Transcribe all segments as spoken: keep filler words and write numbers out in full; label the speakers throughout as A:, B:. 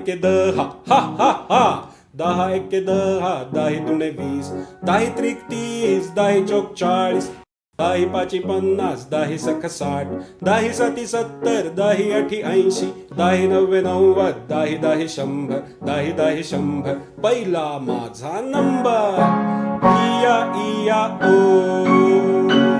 A: एके दहा हा हा हा दहा एके दहा दाही दुणे वीस दाही त्रिक तीस दाही चौक चाळीस दाही पाची पन्नास दाही सख साठ दाही साती सत्तर दाही अठी ऐंशी दाही नव्वे नव्वद दाही दाही शंभर दाही दाही शंभर पहिला माझा नंबर इया इया ओ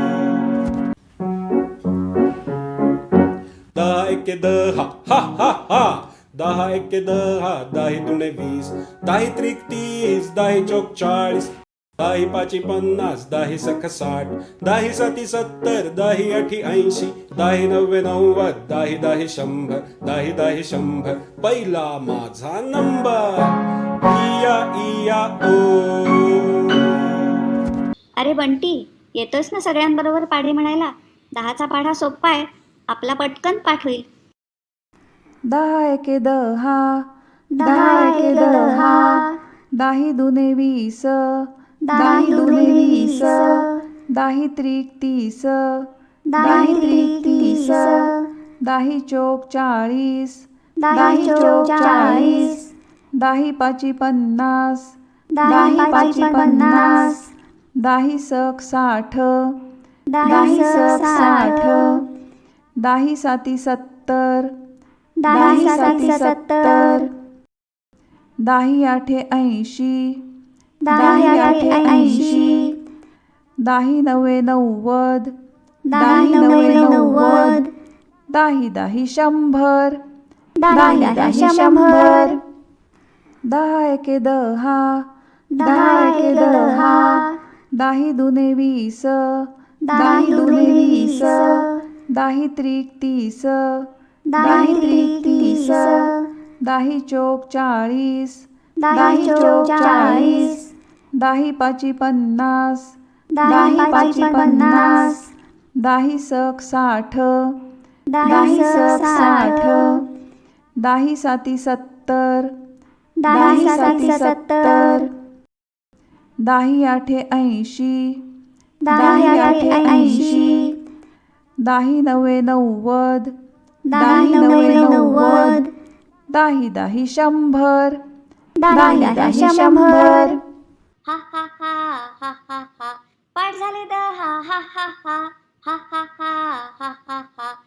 A: दहा एके दहा हा हा हा दहा एके दहा दाही दुणे वीस दाही त्रिक तीस दाही चौक चाळीस दाही पाची पन्नास दाही सख साठ दाही साती सत्तर दाही अठी ऐंशी दाही नव्वे नव्वद दाही दाही शंभर दाही दाही शंभर पहिला माझा नंबर इया इया ओ
B: अरे बंटी, येतोस ना सगळ्यांबरोबर पाढे म्हणायला? दहाचा पाढा सोपा आहे, आपला पटकन पाठ होईल.
C: दहा एके दहा
B: दहा एके दहा
C: दाही दुने वीस
B: दाही दुणे वीस
C: दाही त्रिक तीस
B: दाही त्रिक तीस
C: दाही चौक चाळीस
B: दाही चौक चाळीस
C: दाही पाची पन्नास
B: दाही पाची पन्नास
C: दाही सक साठ
B: दाही सक साठ
C: दाही साती सत्तर
B: दाही साती सत्तर
C: दाही आठे ऐंशी
B: दाही आठे ऐंशी
C: दाही नव्वे नव्वद
B: दाही नव्वे नव्वद
C: दाही दाही शंभर
B: दाही दाही शंभर
C: दहा एके दहा
B: दहा एके दहा
C: दाही दुने वीस
B: दाही दुणे वीस
C: दाही त्रिक तीस
B: दाही त्रिक तीस
C: दाही चौक चाळीस
B: दाही चौक चाळीस
C: दाही पाची पन्नास
B: दाही पाची पन्नास
C: दाही सक साठ
B: दाही सक साठ
C: दाही साती सत्तर
B: दाही साती सत्तर
C: दाही आठे ऐंशी
B: दाही आठे ऐंशी
C: दाही नव्वे नव्वद
B: दाही नव्वे नव्वद
C: दाही दाही शंभर
B: दाही दाही शंभर. हा हा हा हा हा हा पाठ झाले दहा हा हा हा हा हा हा हा हा हा